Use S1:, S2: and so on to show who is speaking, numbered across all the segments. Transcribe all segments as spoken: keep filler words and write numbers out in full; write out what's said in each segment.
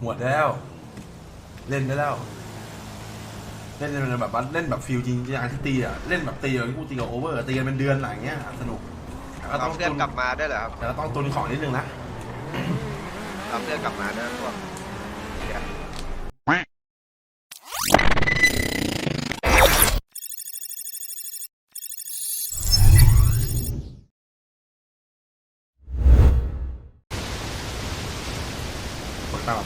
S1: หมดแล้วเล่นได้แล้วเล่นเป็นแบบว่าเล่นแบบฟิลจริงๆอย่างที่ตีอ่ะเล่นแบบตีอย่างที่กูตีกับโอเวอร์ตีกันเป็นเดือนอะไรเงี้ยสนุก
S2: ก็ต้องเพื่อนกลับมาได้เหรอครับ
S1: แต่ก็ต้องตุนของนิดนึงนะ
S2: เราเพื่อนกลับมาได้พวก
S1: คนตาม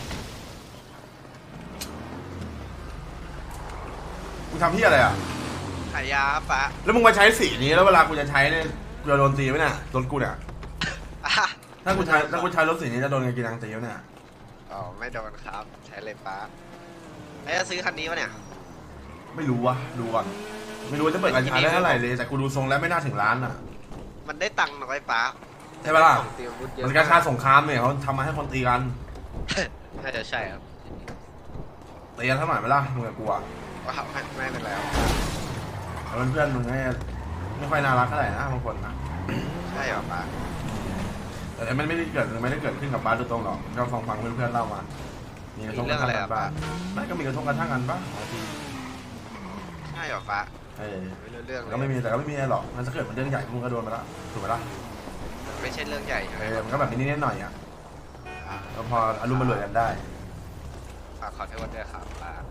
S1: กูทำที่อะไรอ่ะ
S2: ขายยาปะ
S1: แล้วมึงมาใช้สีนี้แล้วเวลากูจะใช้เนี่ยกูจะโดนตีไหมเนี่ยรถกูเนี่ยถ้ากูใช้ถ้ากูใช้รถสีนี้จะโดนกินนังตีไหมเนี่ย
S2: อ๋อไม่โดนครับใช้เลยปะไอ้จะซื้อคันนี้วะเนี่ย
S1: ไม่รู้วะดูก่อนไม่รู้จะเปิดการใช้ได้เท่าไหร่เลยแต่กูดูทรงแล้วไม่น่าถึงล้านอ่ะ
S2: มันได้ตังค์น้อยปะ
S1: ใช่ปะล่ะมันการชาสงครามเนี่ยเขาทำมาให้คนตีกัน
S2: น่าจะใช่ครับ
S1: ตีกันเท่าไหร่ไหมล่ะมึงกับกูอ่ะ
S2: ว้าวไม่เป็นแล้ว
S1: เพื่อนๆมึงไม่ไม่ค่อยน่ารักเท่าไหร่นะบางคนนะ
S2: ใช่หรอปะ
S1: แต่มันไม่ได้เกิดไม่ได้เกิดขึ้นกับบ้านโดยตรงหรอกก็ฟังฟังเพื่อนๆเล่ามามีกระทบกระทั่งกันบ้างไม่ก็มีกระทบกระทั่งกันบ้างบางที
S2: ใช่หรอปะ
S1: เออ
S2: เรื่อง
S1: ก็ไม่มีแต่ก็ไม่มีอะไรหรอกมันจะเกิดมันเรื่องใหญ่มึงก็โดนไปแล้วถูกไหมล่ะ
S2: ไม่ใช่เรื่องใหญ่
S1: เออมันก็แบบนิดนิดหน่อยอ่ะก็พออารมณ์มันรวยกันได้
S2: ฝากขอโทษด้วยครับ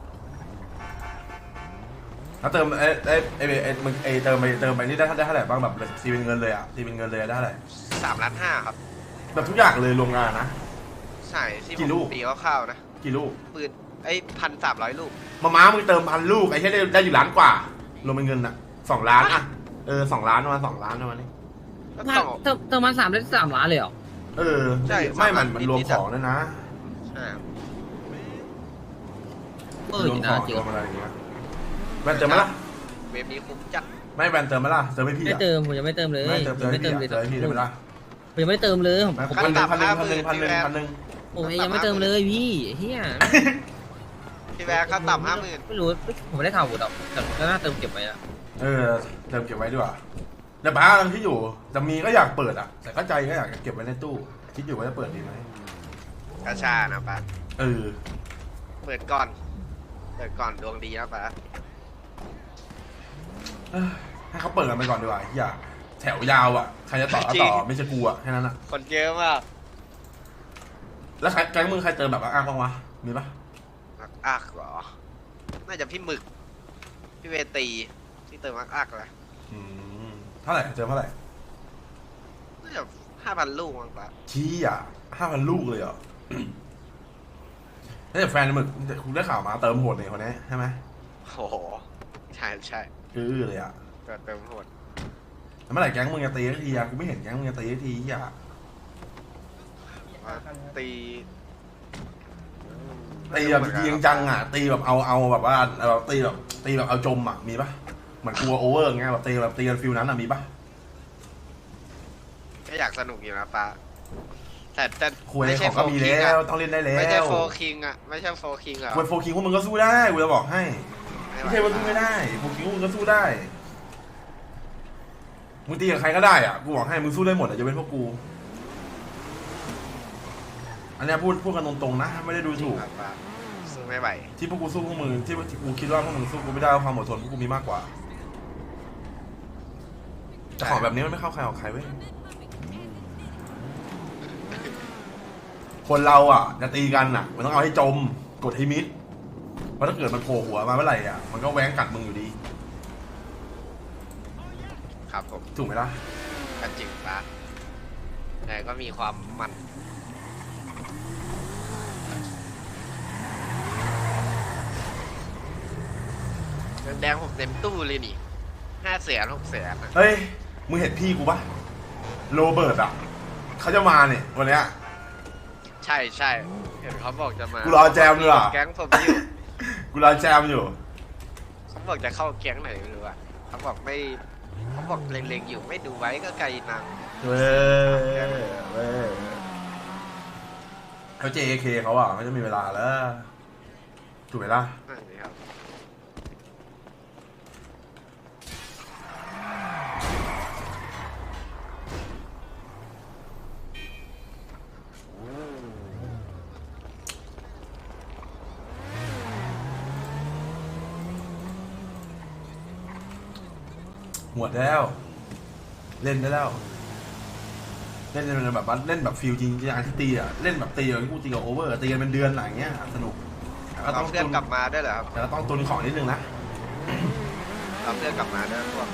S1: แล้วเติมไอ้ไอ้ไอ้ไอ้มึงไอ้เติมไปเติมไปนี่ได้ได้เท่าไหร่บ้างแบบตีเป็นเงินเลยอ่ะตีเป็นเงินเลยได้เท่าไหร่
S2: สามล้านห้าครับ
S1: แบบทุกอย่างเลยรวมงานนะ
S2: ใช่ที่ผมตีคร่าวๆนะ
S1: กี่ลูก
S2: ปืนไอ้พันสามร้อยลูก
S1: มาม้ามึงเติมพันลูกไอ้แค่ได้ได้อยู่ล้านกว่ารวมเป็นเงินอ่ะสองล้านอ่ะเออสองล้านประมาณสองล้านประมาณนี้
S3: เติมเติมมาสามได้สามล้านเลยเหรอ
S1: เออใช่ไม่มันมันรวมของด้วยนะ
S2: ใช่
S3: เออจริงนะจริง
S1: อะไรอย่างเงี้ยแวนเติมไหมล่ะ
S2: เว็บนี้คุ้มจัด
S1: ไม่แวนเติมไหมล่ะเติมไม่พี่
S3: ไม่เติมผมยังไม่เติมเลย
S1: ไม่เติมไม่เติมเลยเติมพี่เลยไหมล่ะ
S3: ผมยังไม่เติมเลยผม
S1: พันหนึ่งพันหนึ่งพันหนึ่งพันหนึ่งพันหนึ่ง
S3: ผมยังไม่เติมเลยพี่เฮีย
S2: พี่แวร์เขาต่ำห้าหมื่น
S3: ไม่รู้ผมไม่ได้ข่าวหมดหรอกแต่ก็น่าเติมเก็บไว้อะ
S1: เออเติมเก็บไว้ดีกว่าแต่บ้าทั้งที่อยู่จะมีก็อยากเปิดอ่ะแต่ก็ใจก็อยากเก็บไว้ในตู้คิดอยู่ว่าจะเปิดดีไหม
S2: กระชานะป้า
S1: เออ
S2: เปิดก่อนเปิดก่อนดวงดีนะป้า
S1: ให้เขาเปิดกันไปก่อนดีกว่าอย่าแถวยาวอ่ะใครจะต่อก็ต่อไม่ใช่กูอ่ะแค่นั้นอ่ะ
S2: คนเยอะมาก
S1: แล้วใครแก๊งมึงใครเติมแบบอ้างบ้างวะมีปะ
S2: อักเหรอน่าจะพี่หมึกพี่เวตีที่เติมอักอักเลย
S1: เท่าไหร่เติมเท่าไหร่
S2: น่าจะห้าพันลูกมั้งป้า
S1: ชี้อ่ะห้าพันลูกเลยเหรอนี่แต่แฟนหมึกคุณได้ข่าวมาเติมโหดเลยคนนี้ใช่ไหม
S2: โอ้โหใช่ใช่
S1: คือเลยอ่ะ
S2: เติมโหด
S1: เมื่อไหร่แก๊งมึงจะตีทีอ่ะกูไม่เห็นแก๊งมึงจะตีทีอ่ะ
S2: ตี
S1: ตีแบบจริงจังอ่ะตีแบบเอาเอาแบบว่าเราตีแบบตีแบบเอาจมอ่ะมีปะเหมือนกลัวโอเวอร์ไงแบบตีแบบตีกันฟิลนั้นอ่ะมีปะ
S2: ก็อยากสนุกอยู่นะป้าแต่แต่
S1: ไม่ใช่ก็มีแล้วต้องเล่นได้แล้ว
S2: ไม่ใช่โฟคิงอ่ะไม่ใช่โฟคิงอ่ะ
S1: โฟคิงพวกมึงก็สู้ได้กูจะบอกให้ไม่ใช่ว่าสู้ไม่ได้โฟคิงพวกมึงก็สู้ได้มึงตีกับใครก็ได้อ่ะกูบอกให้มึงสู้ได้หมดอ่ะจะเป็นพวกกูอันนี้พูดพูดกันตรงๆนะไม่ได้ดูถูก
S2: สู้ไม่ไหว
S1: ที่พวกกูสู้พวกมึงที่กูคิดว่าพวกมึงสู้กูไม่ได้ความอดทนพวกกูมีมากกว่าแต่ของแบบนี้มันไม่เข้าใครออกใครเว้ยคนเราอ่ะจะตีกันอ่ะมันต้องเอาให้จมกดให้มิดเพราะถ้าเกิดมันโผล่หัวมาเมื่อไหร่อ่ะมันก็แหวงกัดมึงอยู่ดี
S2: ครับผม
S1: ถูกไหมล่ะ
S2: ก็จริงปะแต่ก็มีความมันแดงผมเต็มตู้เลยนี่ห้าแสนหกแสน
S1: เฮ้ยมึงเห็นพี่กูปะโรเบิร์ตอ่ะเขาจะมาเนี่ยวันเนี้ย
S2: ใช่ใช่เห็นเขาบอกจะมา
S1: กูรอแจมเลยอ่ะ
S2: แก๊งผมอยู่
S1: กูรอแจมอยู่
S2: เขาบอกจะเข้าแก๊งไหนไม่รู้อ่ะเขาบอกไม่เขาบอกเล็งๆอยู่ไม่ดูไว้ก็ไกลนัง
S1: เว้ยเว้ยเขา เจ เค เขาอ่ะเขาจะมีเวลาแล้วถูกไหมล่ะหมดแล้ว เล่นได้แล้ว เล่นเป็นแบบว่าเล่นแบบฟิลจริงจริงที่ตีอ่ะเล่นแบบตีแบบที่กูตีกับโอเวอร์ตีกันเป็นเดือนอะไรเงี้ยสนุกแต่ก็
S2: เรา
S1: ต้อง
S2: เพื่อน
S1: ตุน
S2: กลับมาได้วยเหรอครับ
S1: แต่ก็ต้องตุนของนิดนึงนะ
S2: เราเพื่อนกลับมาด้วยพวก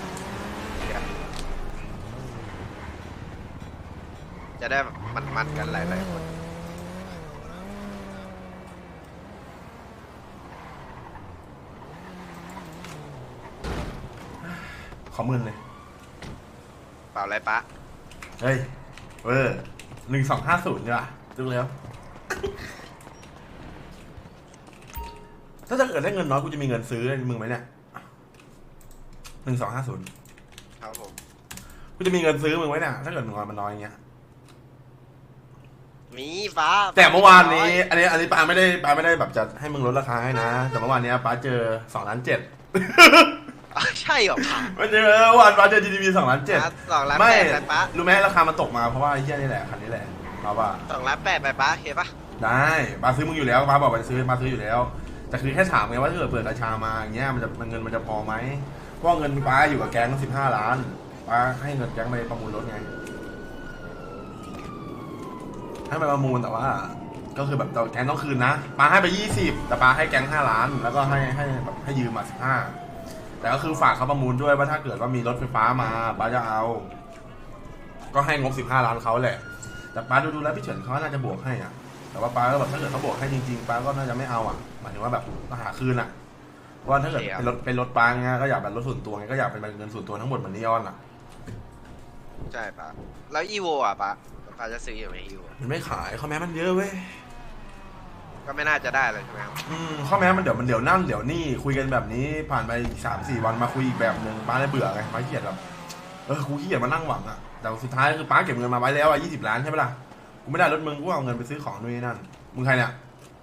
S2: จะได้มันๆกันหลายๆคน
S1: ขอหมื่นเลย
S2: เปล่าอะไรปะ
S1: เฮ้ยเออหนึ่งสองห้าศูนย์ใช่ป่ะดูแล้ว ถ้าจะเกิดได้เงินน้อยกูจะมีเงินซื้อมึงไหมเนี่ยหนึ่งสองห้าศูนย์
S2: ครับผม
S1: กูจะมีเงินซื้อมึงไว้เนี่ยถ้าเกิดมึงมันน้อยอย่างเงี้ย
S2: มีฟ้า
S1: แต่เมื่อวานนี้ อันนี้อันนี้ปาไม่ได้ปาไม่ได้แบบจะให้มึงลดราคาให้นะ แต่เมื่อวานนี้ปาเจอสองล้านเจ็ด
S2: อ่ะใช่เหรอปะ
S1: ไม่เจอเมื่อวานปาเจอ จี ดี พี สองล้านเจ็ด
S2: สองล้าน
S1: ไม่
S2: แปดไปปะ
S1: รู้ไหมราคามันตกมาเพราะว่าไอ้เหี้ยนี่แหละคันนี้แหละเราว่า
S2: สองล้านแปดไปปะเห็นปะ
S1: ได้ปาซื้อมึงอยู่แล้วปาบอกไปซื้อปาซื้ออยู่แล้วแต่คือแค่ถามไงว่าถ้าเกิดเปิดราชามาอย่างเงี้ยมันจะมันเงินมันจะพอไหมเพราะเงินปาอยู่กับแก๊งสิบห้าล้านปาให้เงินแก๊งไปประมูลรถไงให้ไปประมูลแต่ว่า ก็คือแบบแก๊งต้องคืนนะปาให้ไปยี่สิบแต่ปาให้แก๊งห้าล้านแล้วก็ให้ให้แบบให้ยืมมาสิบห้าแต่ก็คือฝากเขาประมูลด้วยว่าถ้าเกิดว่ามีรถไฟฟ้ามาปาจะเอา ก็ให้งบสิบห้าล้านเขาแหละแต่ปาดูดูแล้วพี่เฉินเขาน่าจะบวกให้อ่ะแต่ว่าปาก็แบบถ้าเกิดเขาบวกให้จริงๆปาก็น่าจะไม่เอาอ่ะหมายถึงว่าแบบหาคืนอ่ะว่าถ้าเกิดเป็นรถเป็นรถปาไงก็อยากเป็นรถส่วนตัวไงก็อยากเป็นเงินส่วนตัวทั้งหมดเหมือนนิออนอ่ะ
S2: ใช่ปะแล้วอีโวอ่ะปะปาจะซื้ออยู่ไหมอีโว
S1: มันไม่ขายข้อแม้มันเยอะเว้ย
S2: ก็ไม่น่าจะได้เลยใช่ไหมครับ
S1: อืมข้อแม้มันเดี๋ยวมันเดี๋ยวนั่นเดี๋ยวนี่คุยกันแบบนี้ผ่านไปสามสี่วันมาคุยอีกแบบหนึ่งป้าเลยเบื่อไงป้าเกลียดแบบเออกูขี้เกียจมานั่งหวังอ่ะแต่สุดท้ายคือป้าเก็บเงินมาไว้แล้วอ่ะยี่สิบล้านใช่ไหมล่ะกูไม่ได้รถมึงกูเอาเงินไปซื้อของนู่นนี่นั่นมึงใครเนี่ย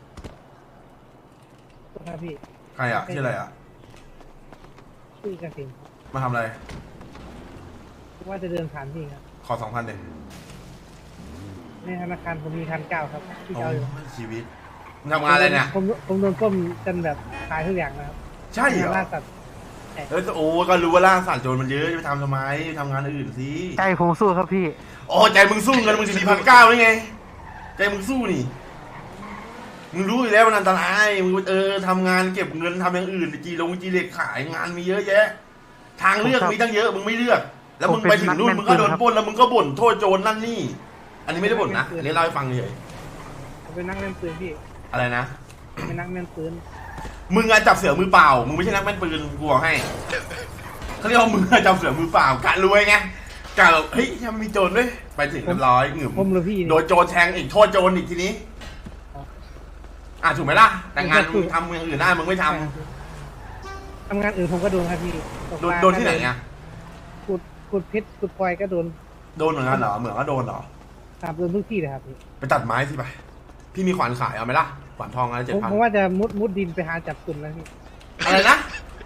S4: ครับพี่
S1: ใครอ่ะชื่ออะไรอ่ะ
S4: ชื่อกสิน
S1: มาทำอะไร
S4: ว่าจะเดินผ่านพี่ครับ
S1: ขอสองพันเด็
S4: ในธนาคารผมมีพันเก้าครับที่เอาอยู่
S1: ชีวิตมึงทำงานอะไรเนี่ย
S4: ผมผมโดนก้มจนแบบขายทุกอย่างนะครับ
S1: ใช่เหรอ
S4: ล่าสัตว์
S1: เออโอ้ก็รู้ว่าล่าสัตว์โจรมันเยอะจะไปทำทำไมทำงานอื่นสิ
S4: ใจผมสู้ครับพี่
S1: โอ้ใจมึงสู้เงินมึงสี่พันเก้าได้ไงใจมึงสู้นี่มึงรู้อยู่แล้วมันอันตรายมึงเออทำงานเก็บเงินทำอย่างอื่นจีลงจีเล็กขายงานมีเยอะแยะ ทางเลือกมีตั้งเยอะมึงไม่เลือก แล้วมึงไปถึงนู่นมึงก็โดนปล้นแล้วมึงก็บ่นโทษโจรนั่นนี่ อันนี้ไม่ได้บ่นนะอันนี้เล่าให้ฟังเฉย
S4: ผมเป็นนักเล่นปืนพี่
S1: อะไรนะ
S4: เป็นนักเล่นปืน
S1: มึงอะจับเสือมือเปล่ามึงไม่ใช่นักแม่นปืนกูบอกให้เขาเรียกว่ามึงอะจับเสือมือเปล่ากะรวยไงกะแบบเฮ้ยยังมีโจรด้วยไปถึงเรียบร้อยหงึม
S4: ผมหรือพี่
S1: โดนโจรแทงอีกโทษโจรอีกทีนี้อ่ะถูกไหมล่ะแต่งานมึงทำอย่างอื่นได้มึงไม่ทำ
S4: ทำงานอื่นผมก็โดนครับพี่ตก
S1: โด
S4: ป
S1: น
S4: ลา
S1: โดนที่ไหนอ่ะ
S4: ขุดขุดเพชรขุดพลอยก็โดน
S1: โดนเหมือนกันเหรอเหมือนก็โดนเหรอ
S4: ตามโดนทุกที่เลยครับพี่
S1: ไปตัดไม้สิไปพี่มีขวานขายเอาไหมล่ะขวานทองอะไรเจ็ด
S4: ผม
S1: พัน
S4: ผมว่าจะมุดมุดดินไปหาจับกลุ่มแล้วพี่
S1: อะไรนะ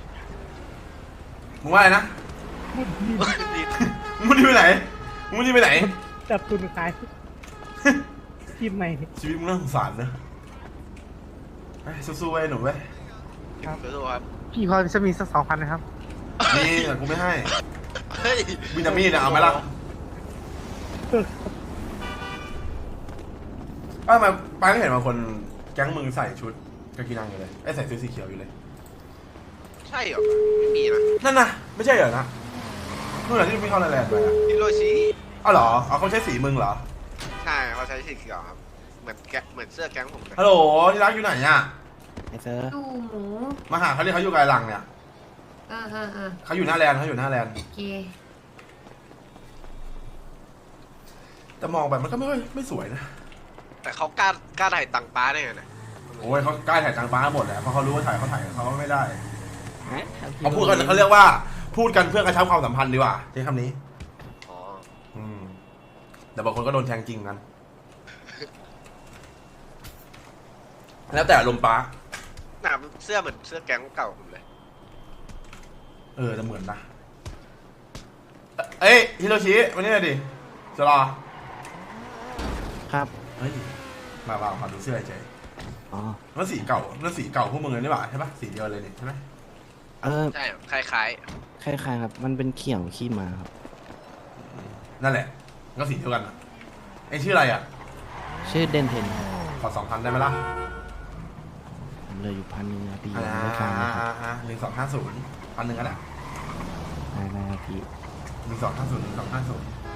S1: มึงว่าอะไรนะ
S4: มุดดิน
S1: มึงรีบไปไหนมึงรีบไปไหน
S4: จับกลุ่มขายทีมใหม่
S1: ชีวิตมึงน่าสงสารนะเฮ้ยสู้ๆไว้หนุ่มเว้ย
S4: ครับ
S2: สู้ๆครับ
S4: พี่พอจะมีสักสองพันนะครับ
S1: นี่แต่กูไม่ให้
S2: เฮ้ย
S1: วินามีดนะเอาไหมล่ะเอ้ามาป้าก็เห็นบางคนแก๊งมึงใส่ชุดกากีนังอยู่เลยไอ้ใส่ชุดสีเขียวอยู่เลย
S2: ใช่เหรอไม่มีนะ
S1: นั่นนะไม่ใช่เหรอนะนู่นแหละที่พี่เข้าไลน์แลนด์ไปอ่ะ
S2: ฮิโรชิ
S1: อ้าวเหรอเอาเขาใช้สีมึงเหรอ
S2: ใช่เขาใช้สีเขียวครับเหมือนแกเหมือนเสื้อแก๊งผมเลย
S1: ฮัลโหลที่รักอยู่ไหนอ่ะ
S5: ไอเซอร์
S6: ดูหมู
S1: มาหาเขาเรียกเขาอยู่ไกลหลังเนี่ย
S6: เออเออเออ
S1: เขาอยู่หน้าแลนด์เขาอยู่หน้าแลนด์
S6: โอเค
S1: แต่มองไปมันก็ไม่ค่อยไม่สวยนะ
S2: แต่เขากล้ากล้าถ่ายตังค์ป้าได้ไงเนี่ย
S1: โอ้ยเขาใกล้ถ่ายจางฟ้าหมดแหละเพราะเขารู้ว่าถ่ายเขาถ่ายเขาไม่ได้
S5: ฮะ
S1: เขาพูดกันเขาเรียกว่าพูดกันเพื่อกระชับความสัมพันธ์ดีกว่าใช้คำนี้
S2: อ๋อ
S1: อืมแต่บางคนก็โดนแทงจริงกัน แล้วแต่อารมณ์ป้า
S2: หนาเสื้อเหมือนเสื้อแก๊งเก่าผมเลย
S1: เออจะเหมือนนะ เอ้ยฮิโรชิมานี่หน่อยดิจะรอ
S5: ครับ
S1: เฮ้ยมามาขอดูเสื้อเฉย
S5: อ๋อ
S1: มันสีเก่ามันสีเก่าพวกมึงเลยนี่หว่าใช่ปะสีเดียวเลยนี่ใช่ไหม
S5: เอเออ
S2: ใช่คล้าย
S5: คล้ายๆครับ มันเป็นเขียวขี้มาครับ
S1: นั่นแหละก็สีเดียวกันอะไอ้ชื่ออะไรอ่ะ
S5: ชื่อเดนเทนครับ
S1: ขอสองพันได้ไหมล่ะ
S5: ผมเหลยอยู่พันหนึงนะพี่
S1: อ่า
S5: ยังไม่ฟังเลยครับ
S1: หนึ่งสองห้าศูนย์พันหนึ่งก็ได้
S5: ได้ได้ครับพี่
S1: หนึ่งสองห้าศูนย์หนึ่งสองห้าศูนย์